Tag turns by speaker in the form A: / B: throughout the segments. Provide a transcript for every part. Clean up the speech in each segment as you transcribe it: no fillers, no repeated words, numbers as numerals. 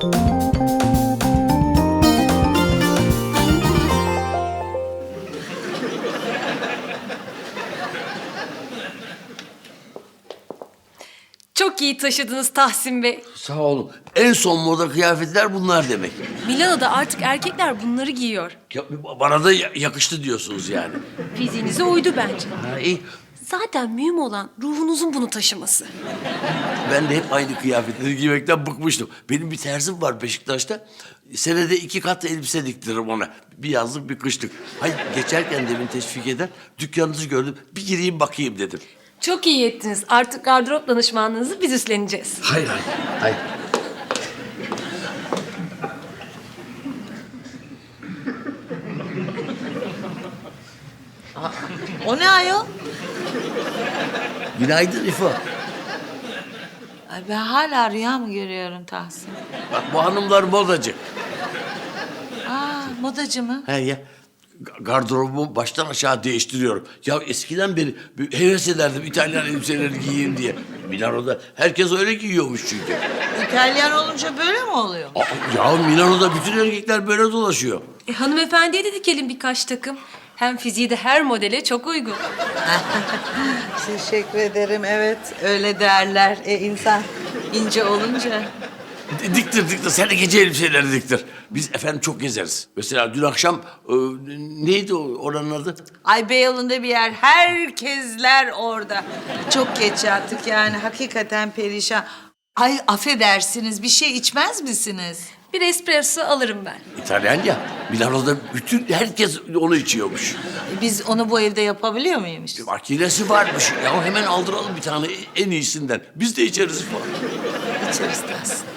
A: Çok iyi taşıdınız Tahsin Bey.
B: Sağ olun. En son moda kıyafetler bunlar demek.
A: Milano'da artık erkekler bunları giyiyor.
B: Ya, bana da yakıştı diyorsunuz yani.
A: Fiziğinize uydu bence.
B: Ha, iyi.
A: Zaten mühim olan ruhunuzun bunu taşıması.
B: Ben de hep aynı kıyafetleri giymekten bıkmıştım. Benim bir terzim var Beşiktaş'ta. Senede 2 kat elbise diktiririm ona. Bir yazlık, bir kışlık. Hayır, geçerken demin teşvik eder. Dükkanınızı gördüm. Bir gireyim bakayım dedim.
A: Çok iyi ettiniz. Artık gardırop danışmanlığınızı biz üstleneceğiz.
B: Hayır, hayır, hayır.
C: O ne ayol?
B: Günaydın İfo.
C: Ay ben hala rüya mı görüyorum Tahsin?
B: Bak bu hanımlar modacı.
C: Aa, modacı mı?
B: He ya. Gardırobumu baştan aşağı değiştiriyorum. Ya eskiden beri heves ederdim İtalyan elbiseleri giyeyim diye. Milano'da herkes öyle giyiyormuş çünkü.
C: İtalyan olunca böyle mi oluyor?
B: Ya Milano'da bütün erkekler böyle dolaşıyor.
A: Hanımefendiye de dikelim birkaç takım. Hem fiziği de her modele çok uygun.
C: Teşekkür ederim, evet. Öyle derler. İnsan ince olunca.
B: Diktir. Sen de gece elbiseleri diktir. Biz efendim çok gezeriz. Mesela dün akşam neydi oranın adı?
C: Ay Beyoğlu'nda bir yer. Herkesler orada. Çok geç yattık yani. Hakikaten perişan. Ay affedersiniz, bir şey içmez misiniz?
A: Bir espresso alırım ben.
B: İtalyan ya. Milano'da bütün herkes onu içiyormuş.
C: Biz onu bu evde yapabiliyor muymuş?
B: Makinesi varmış. Ya hemen aldıralım bir tane en iyisinden. Biz de içeriz falan.
C: İçeriz Tahsin.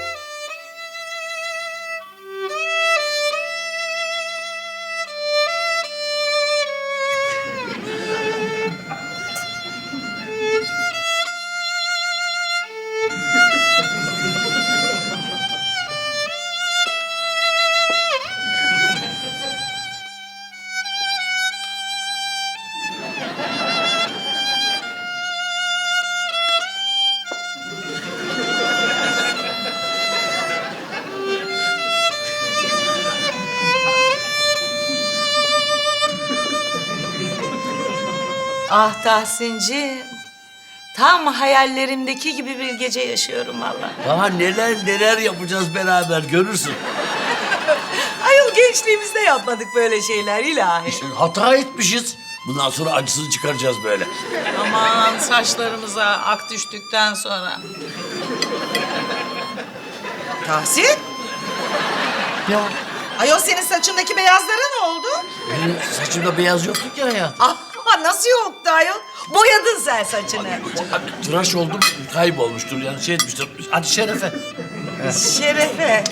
C: Ah Tahsin'ciğim. Tam hayallerimdeki gibi bir gece yaşıyorum vallahi.
B: Daha neler yapacağız beraber görürsün.
C: Ayol gençliğimizde yapmadık böyle şeyler ilahi.
B: Hata etmişiz. Bundan sonra acısını çıkaracağız böyle.
C: Aman saçlarımıza ak düştükten sonra. Tahsin?
B: Ya
C: Ayol senin saçındaki beyazlara ne oldu?
B: benim saçımda beyaz yoktu ki hayat.
C: Ah nasıl yoktu ayol? Boyadın sen saçını.
B: Tıraş oldum kaybolmuştur yani şey etmiştir. Hadi şerefe.
C: Şerefe.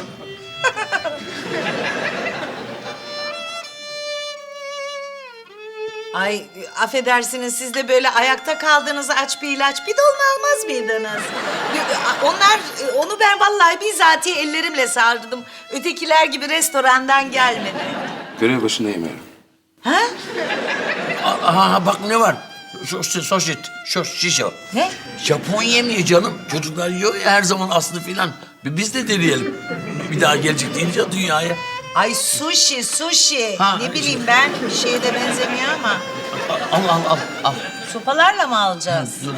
C: Ay affedersiniz siz de böyle ayakta kaldığınızı aç bir ilaç bidonunu almaz mıydınız? Onu ben vallahi bizatihi ellerimle sardım. Ötekiler gibi restorandan gelmedi.
D: Görev başındayım yani.
C: Ha?
B: Aha bak ne var? Soşet, şiş o.
C: Ne?
B: Japon yemeği canım. Çocuklar yiyor ya her zaman aslı filan. Biz de deneyelim. Bir daha gelecek deyince dünyaya.
C: Ay sushi.
B: Ha,
C: Ne bileyim ben bir şeye de benzemiyor ama.
B: Al.
C: Sopalarla mı alacağız?
B: Dur.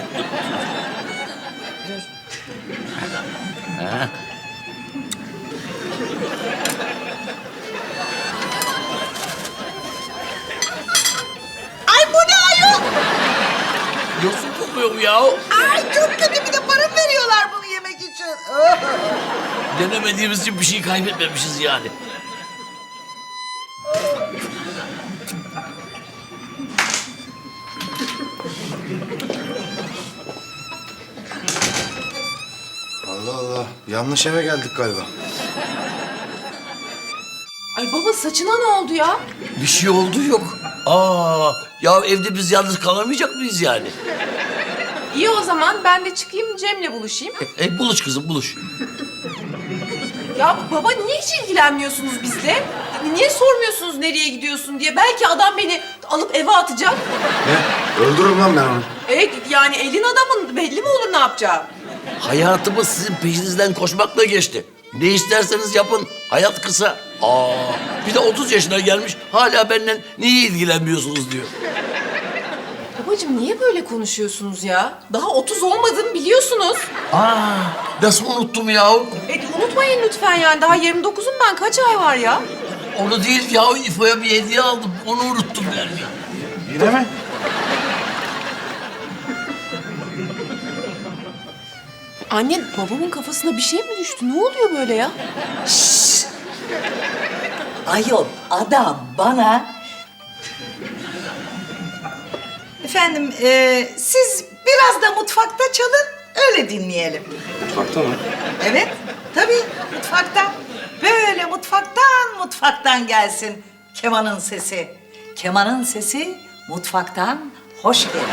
C: Ay bu ne ayol?
B: Yosun kokuyor bu ya.
C: Ay çok kötü bir de para mı veriyorlar bunu yemek için?
B: Denemediğimiz için bir şey kaybetmemişiz yani.
D: Allah Allah. Yanlış eve geldik galiba.
E: Ay baba saçına ne oldu ya?
B: Bir şey oldu yok. Ya evde biz yalnız kalamayacak mıyız yani?
E: İyi o zaman ben de çıkayım Cem'le buluşayım.
B: Buluş kızım buluş.
E: Ya baba niye hiç ilgilenmiyorsunuz bizle? Niye sormuyorsunuz nereye gidiyorsun diye? Belki adam beni alıp eve atacak.
D: Ne? Öldürürüm lan ben onu.
E: Yani elin adamın belli mi olur ne yapacağı?
B: Hayatımız sizin peşinizden koşmakla geçti. Ne isterseniz yapın. Hayat kısa. Bir de 30 yaşına gelmiş hala benden niye ilgilenmiyorsunuz diyor.
E: Babacığım niye böyle konuşuyorsunuz ya? Daha 30 olmadım biliyorsunuz.
B: Nasıl unuttum yahu?
E: Unutmayın lütfen yani. Daha 29'um ben. Kaç ay var ya?
B: Onu değil yahu, İfo'ya bir hediye aldım. Onu unuttum yani.
D: Yine mi?
E: Anne babamın kafasına bir şey mi düştü? Ne oluyor böyle ya?
C: Ayol adam bana... Efendim siz biraz da mutfakta çalın öyle dinleyelim.
D: Mutfakta mı?
C: Evet tabii mutfakta. Böyle mutfaktan gelsin kemanın sesi. Kemanın sesi mutfaktan hoş gelir.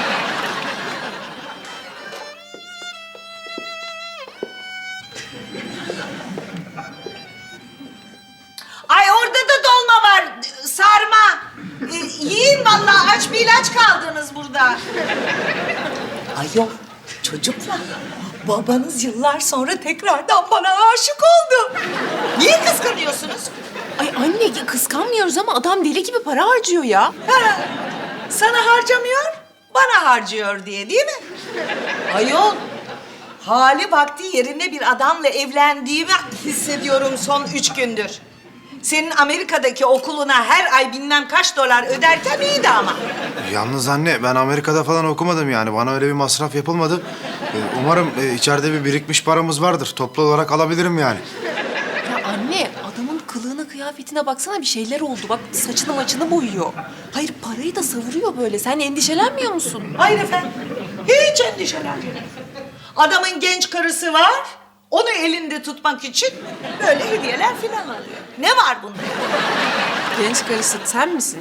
C: Ay orada da dolma var, sarma. Yiyin vallahi, aç bir ilaç kaldınız burada. Ay yok, çocuklar. Babanız yıllar sonra tekrardan bana aşık oldu. Niye kıskanıyorsunuz?
E: Ay anne kıskanmıyoruz ama adam deli gibi para harcıyor ya.
C: Ha, sana harcamıyor, bana harcıyor diye değil mi? Ayol, hali vakti yerine bir adamla evlendiğimi hissediyorum son 3 gündür. Senin Amerika'daki okuluna her ay bilmem kaç dolar öderken iyiydi ama.
D: Yalnız anne ben Amerika'da falan okumadım yani. Bana öyle bir masraf yapılmadı. Umarım içeride bir birikmiş paramız vardır. Toplu olarak alabilirim yani.
E: Ya anne adamın kılığına kıyafetine baksana bir şeyler oldu. Bak saçını maçını boyuyor. Hayır parayı da savuruyor böyle. Sen endişelenmiyor musun?
C: Hayır efendim, hiç endişelenmeyin. Adamın genç karısı var, onu elinde tutmak için böyle hediyeler filan alıyor. Ne var bunda?
E: Genç karısı sen misin?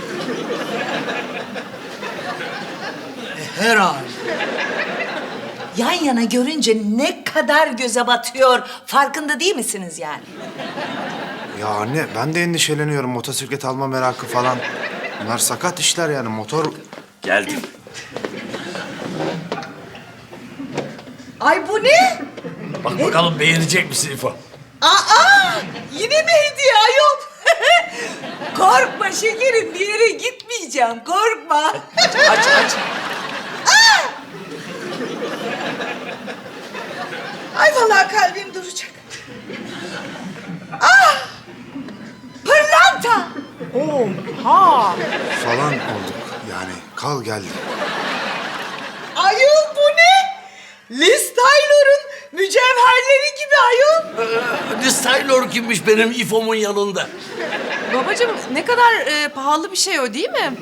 C: Herhalde. Yan yana görünce ne kadar göze batıyor, farkında değil misiniz yani?
D: Ya anne ben de endişeleniyorum. Motosiklet alma merakı falan. Bunlar sakat işler yani. Motor...
B: Geldim.
C: Ay bu ne?
B: Bak bakalım beğenecek misin İfo?
C: Aa, yine mi hediye ayol? Korkma şekerim, bir yere gitmeyeceğim, korkma.
B: Aç.
C: Ay vallahi kalbim duracak. Ah! Pırlanta!
E: Oha!
D: falan olduk. Yani kal geldi.
C: Ayol bu ne? Liz Taylor'un mücevherleri gibi ayol.
B: Liz Taylor kimmiş benim İfo'mun yanında?
E: Babacığım ne kadar pahalı bir şey o değil mi?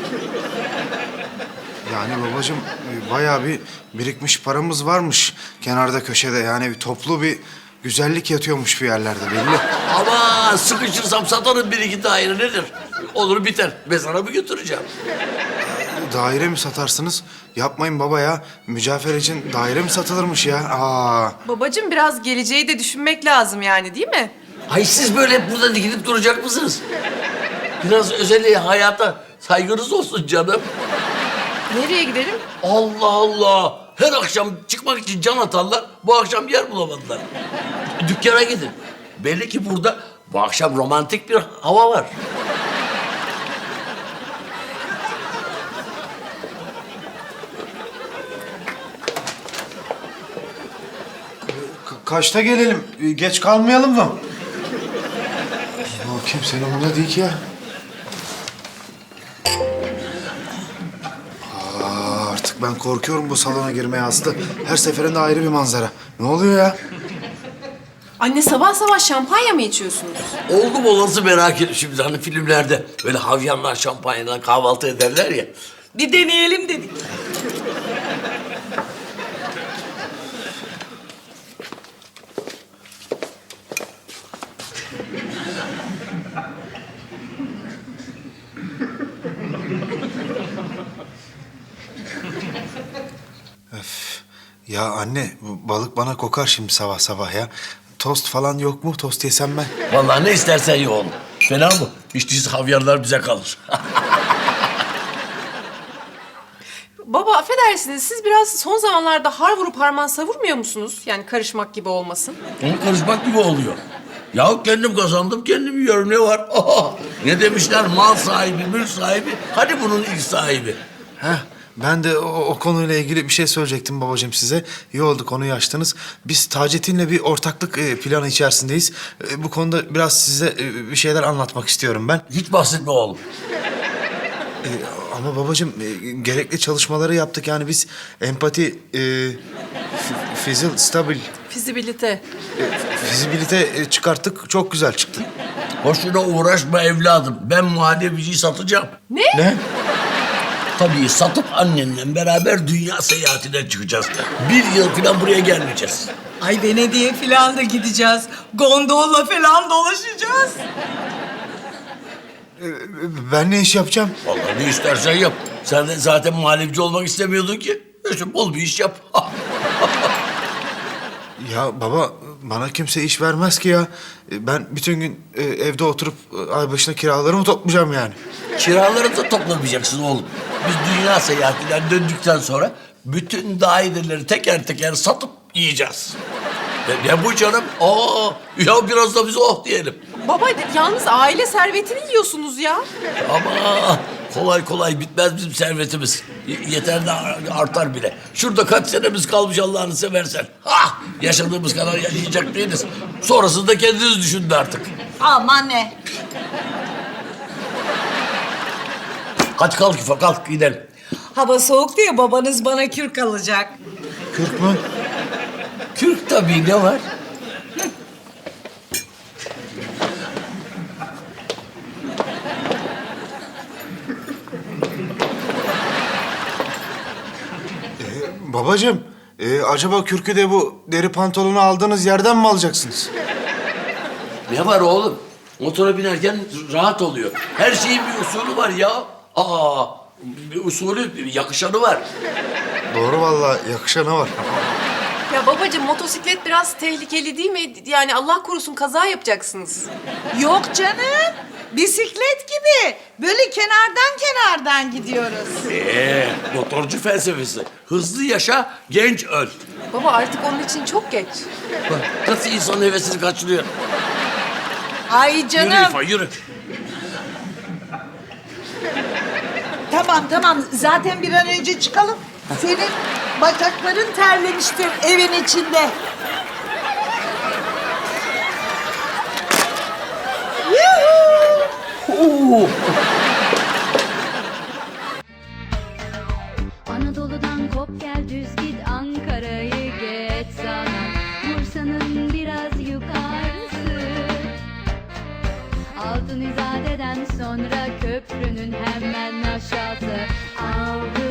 D: Yani babacığım bayağı bir birikmiş paramız varmış kenarda köşede. Yani bir toplu bir güzellik yatıyormuş bir yerlerde belli.
B: Ama sıkışırsam satarım bir iki daire nedir? Olur biter. Mezara mı götüreceğim?
D: Daire mi satarsınız? Yapmayın baba ya. Mücevher için daire mi satılırmış ya?
E: Babacığım biraz geleceği de düşünmek lazım yani değil mi?
B: Ay siz böyle hep burada dikilip duracak mısınız? Biraz özel hayata saygınız olsun canım.
E: Nereye gidelim?
B: Allah Allah. Her akşam çıkmak için can atarlar. Bu akşam yer bulamadılar. Dükkana gidin. Belli ki burada bu akşam romantik bir hava var.
D: Kaçta gelelim? Geç kalmayalım mı? O kimsenin umurunda değil ki ya. Artık ben korkuyorum bu salona girmeye Aslı. Her seferinde ayrı bir manzara. Ne oluyor ya?
E: Anne sabah sabah şampanya mı içiyorsunuz?
B: Oldu mu olası merak ettim şimdi. Hani filmlerde böyle havyanlar şampanyadan kahvaltı ederler ya.
C: Bir deneyelim dedik.
D: Ya anne bu balık bana kokar şimdi sabah sabah ya. Tost falan yok mu? Tost yesem ben.
B: Vallahi ne istersen ye oğlum. Fena mı? Hiç değilse havyarlar bize kalır.
E: Baba affedersiniz, siz biraz son zamanlarda har vurup harman savurmuyor musunuz? Yani karışmak gibi olmasın.
B: Onu karışmak gibi oluyor. Ya kendim kazandım, kendim yiyorum, ne var? Ne demişler, mal sahibi, mülk sahibi. Hadi bunun ilk sahibi.
D: Heh, ben de o konuyla ilgili bir şey söyleyecektim babacığım size. İyi oldu konuyu açtınız. Biz Taceddin'le bir ortaklık planı içerisindeyiz. Bu konuda biraz size bir şeyler anlatmak istiyorum ben.
B: Hiç bahsetme oğlum.
D: Ama babacığım gerekli çalışmaları yaptık. Yani biz empati, stabil,
E: Fizibilite.
D: fizibilite çıkarttık. Çok güzel çıktı.
B: Boşuna uğraşma evladım. Ben muhallebiciyi satacağım.
D: Ne?
B: Tabii satıp annenle beraber dünya seyahatine çıkacağız. 1 yıl falan buraya gelmeyeceğiz.
C: Ay Venedik'e falan da gideceğiz. Gondolla falan dolaşacağız.
D: Ben ne iş yapacağım?
B: Vallahi ne istersen yap. Sen de zaten muhallebici olmak istemiyordun ki. İşte bol bir iş yap.
D: Ya baba bana kimse iş vermez ki ya. Ben bütün gün evde oturup ay başına kiralarımı toplayacağım yani.
B: Kiraları da toplamayacaksın oğlum. Biz dünya seyahatinden döndükten sonra bütün daireleri teker teker satıp yiyeceğiz. Ne bu canım? Ya biraz da biz oh diyelim.
E: Baba yalnız aile servetini yiyorsunuz ya.
B: Ama kolay kolay bitmez bizim servetimiz. Yeter de artar bile. Şurada kaç senemiz kalmış Allah'ını seversen. Yaşadığımız kadar yaşayacak değiliz. Sonrasını da kendiniz düşünün artık.
C: Aman ne?
B: Hadi kalk İfa, kalk gidelim.
C: Hava soğuk diye babanız bana kürk alacak.
D: Kürk mü?
B: Kürk tabii, ne var?
D: Babacığım acaba kürkü de bu deri pantolonu aldığınız yerden mi alacaksınız?
B: Ne var oğlum? Motora binerken rahat oluyor. Her şeyin bir usulü var ya. Bir usulü, bir yakışanı var.
D: Doğru vallahi yakışanı var.
E: Ya babacığım motosiklet biraz tehlikeli değil mi? Yani Allah korusun kaza yapacaksınız.
C: Yok canım. Bisiklet gibi. Böyle kenardan gidiyoruz.
B: Motorcu felsefesi. Hızlı yaşa, genç öl.
E: Baba artık onun için çok geç.
B: Bak nasıl insanın hevesini kaçırıyor.
C: Ay canım.
B: Yürü İfa, yürü.
C: Tamam. Zaten bir an önce çıkalım. Senin bacakların terlemiştir evin içinde.
F: Anadolu'dan kop gel düz git Ankara'yı geç sana Bursa'nın biraz yukarısı Altın İzade'den sonra köprünün hemen aşağısı Avrupa